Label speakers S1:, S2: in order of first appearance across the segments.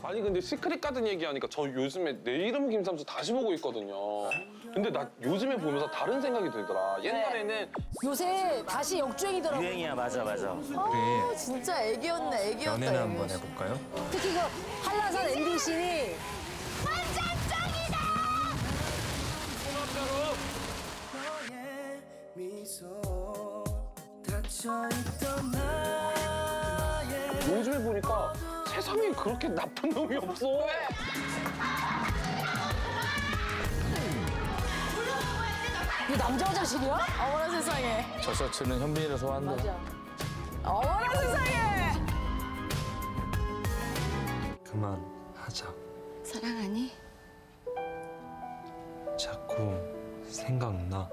S1: 아니 근데 시크릿 가든 얘기하니까 저 요즘에 내 이름 김삼수 다시 보고 있거든요. 근데 나 요즘에 보면서 다른 생각이 들더라. 옛날에는
S2: 요새 다시 역주행이더라고.
S3: 유행이야, 맞아.
S2: 아, 진짜 애기였네, 애기였다.
S4: 연애나 한번
S2: 애기였어.
S4: 해볼까요?
S2: 특히 그 한라산 엔딩 씬이
S1: 요즘에 보니까 세상에 그렇게 나쁜 놈이 없어.
S2: 이거 남자 화장실이야? 어머나 세상에.
S4: 저 셔츠는 현빈이라서 한다.
S2: 어머나 세상에.
S4: 그만하자.
S5: 사랑하니?
S4: 자꾸 생각나.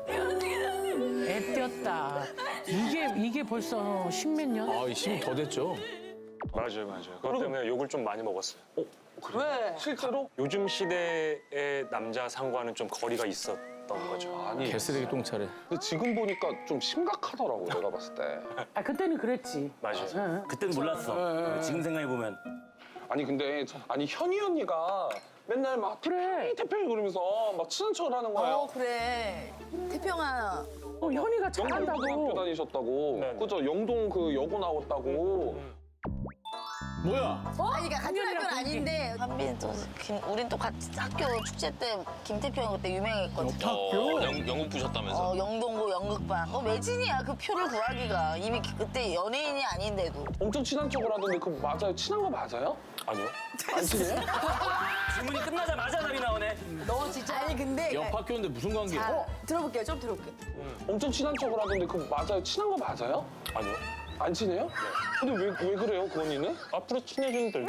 S6: 애띄었다. 이게 벌써 십몇 년?
S4: 아, 힘이 더 됐죠?
S7: 맞아요. 그것 때문에 욕을 좀 많이 먹었어요.
S2: 왜?
S1: 실제로?
S7: 요즘 시대의 남자 상과는 좀 거리가 있었던 거죠.
S1: 아니.
S4: 개쓰레기 똥차례.
S1: 근데 지금 보니까 좀 심각하더라고 내가 봤을 때.
S6: 아 그때는 그랬지.
S7: 맞아요.
S3: 그땐 몰랐어. 지금 생각해보면.
S1: 아니 근데 아니 현희 언니가 맨날 막
S6: 그래.
S1: 태평이 그러면서 막 친한 척을 하는 거예요.
S2: 그래. 태평아.
S6: 현이가
S1: 영동
S6: 잘한다고.
S1: 고등학교 다니셨다고.
S7: 네네.
S1: 그죠? 영동 그 여고 나왔다고.
S4: 뭐야?
S2: 아니, 그러니까 같은 학교는 아닌데.
S5: 한빈 또 우린 또 같이 학교 축제 때 김태평 그때 유명했거든.
S8: 영국 부셨다면서?
S5: 영동고 연극반. 매진이야 그 표를 구하기가 이미 그때 연예인이 아닌데도.
S1: 엄청 친한 척을 하던데 그거 맞아요? 친한 거 맞아요?
S7: 아니요.
S1: 안 친해요?
S3: 질문이 끝나자마자 답이 나오네.
S2: 너 진짜. 아니, 근데.
S4: 옆 학교인데 무슨 관계야?
S2: 자, 들어볼게요. 좀 들어볼게요.
S1: 엄청 친한 척을 하던데 그거 맞아요? 친한 거 맞아요?
S7: 아니요.
S1: 안 친해요? 근데 왜 그래요 그 언니는?
S7: 앞으로 친해진대.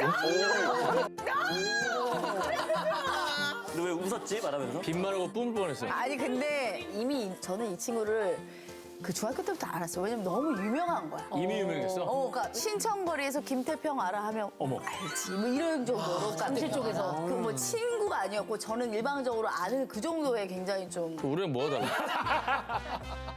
S3: 너 왜 웃었지? 말하면서?
S4: 빈말하고 뿜을 뻔했어요.
S2: 아니, 근데 이미 저는 이 친구를 그 중학교 때부터 알았어요. 왜냐면 너무 유명한 거야.
S4: 이미 유명했어?
S2: 그러니까 신천거리에서 김태평 알아 하면
S4: 어머.
S2: 알지. 뭐 이런 정도로. 잠실 쪽에서. 그 뭐 친구가 아니었고 저는 일방적으로 아는 그 정도의 굉장히 좀.
S4: 우리랑 뭐가 달라?